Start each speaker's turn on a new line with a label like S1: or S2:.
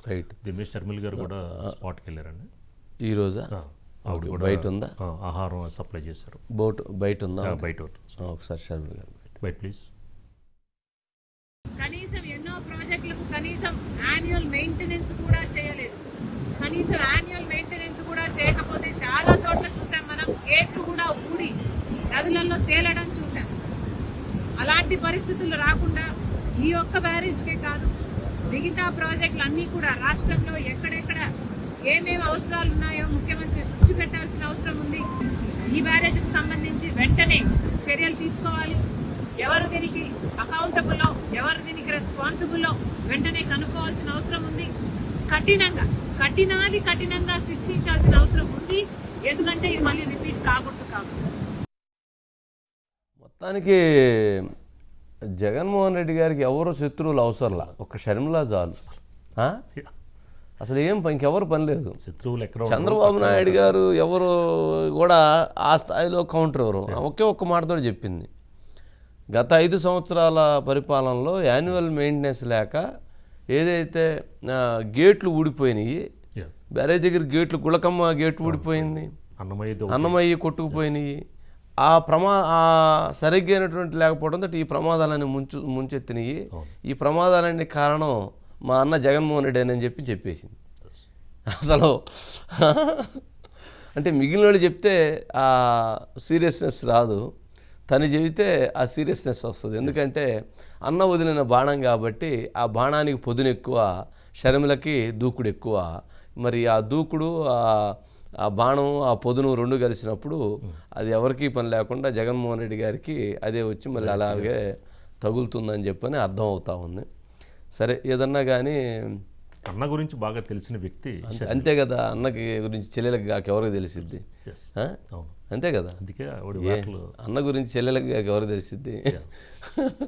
S1: Right.
S2: Dinesh Sharmila గారు కూడా స్పాట్కి వెళ్ళారండి
S1: ఈరోజా
S2: ఆవిడ కూడా
S1: బయట ఉందా?
S2: ఆహారం సప్లై చేశారు.
S1: బయట ఉందా?
S2: బయట
S1: ఒకసారి షర్మిల గారు
S2: బయట ప్లీజ్.
S3: కనీసం ఎన్నో ప్రాజెక్టులకు కనీసం యాన్యువల్ మెయింటెనెన్స్ కూడా చేయలేదు. కనీసం యాన్యువల్ మెయింటెనెన్స్ కూడా చేయకపోతే చాలా చోట్ల చూసాం మనం, గేట్లు కూడా ఊడి నదులలో తేలడం చూసాం. అలాంటి పరిస్థితులు రాకుండా ఈ ఒక్క బ్యారేజ్కే కాదు, మిగతా ప్రాజెక్టులు అన్నీ కూడా రాష్ట్రంలో ఎక్కడెక్కడ ఏమేమి అవసరాలు ఉన్నాయో ముఖ్యమంత్రి దృష్టి పెట్టాల్సిన అవసరం ఉంది. ఈ బ్యారేజ్కి సంబంధించి వెంటనే చర్యలు తీసుకోవాలి. ఎవరు దీనికి అకౌంటబుల్లో, ఎవరు దీనికి రెస్పాన్సిబుల్లో వెంటనే కనుక్కోవాల్సిన అవసరం ఉంది. కఠినంగా శిక్షించాల్సిన అవసరం ఉంది. ఎందుకంటే ఇది మళ్ళీ రిపీట్ కాకూడదు కాబట్టి.
S1: మొత్తానికి జగన్మోహన్ రెడ్డి గారికి ఎవరు శత్రువులు అవసరంలా, ఒక షర్మిల చాలు. అసలు ఇంకెవరు పని లేదు.
S2: శత్రువులు ఎక్కడ?
S1: చంద్రబాబు నాయుడు గారు ఎవరు కూడా ఆ స్థాయిలో కౌంటర్ ఎవరు ఒక్క మాటతో చెప్పింది. గత 5 సంవత్సరాల పరిపాలనలో యాన్యువల్ మెయింటెనెన్స్ లేక ఏదైతే గేట్లు ఊడిపోయినాయి, బ్యారేజ్ దగ్గర గేట్లు, గుళకమ్మ గేట్ ఊడిపోయింది, అన్నమయ్య కొట్టుకుపోయినాయి, సరిగ్గైనటువంటి లేకపోవడంతో ఈ ప్రమాదాలన్నీ ముంచెత్తినాయి. ఈ ప్రమాదాలన్నీ కారణం మా అన్న జగన్మోహన్ రెడ్డి అని చెప్పేసింది. అసలు అంటే మిగిలిన వాళ్ళు చెప్తే ఆ సీరియస్నెస్ రాదు, తను చెబితే ఆ సీరియస్నెస్ వస్తుంది. ఎందుకంటే అన్న వదిలిన బాణం కాబట్టి ఆ బాణానికి పొదును ఎక్కువ, షర్మిలకి దూకుడు ఎక్కువ. మరి ఆ దూకుడు, ఆ బాణం, ఆ పొదును రెండు కలిసినప్పుడు అది ఎవరికీ పని లేకుండా జగన్మోహన్ రెడ్డి గారికి అదే వచ్చి మళ్ళీ అలాగే తగులుతుందని చెప్పని అర్థం అవుతా ఉంది. సరే, ఏదన్నా కానీ
S2: అన్న గురించి బాగా తెలిసిన వ్యక్తి
S1: అంతే కదా. అన్నకి గురించి చెల్లెలకి కాక ఎవరికి తెలిసిద్ది? అంతే కదా.
S2: అందుకే
S1: అన్న గురించి చెల్లెలకి కాక ఎవరికి తెలిసిద్ది?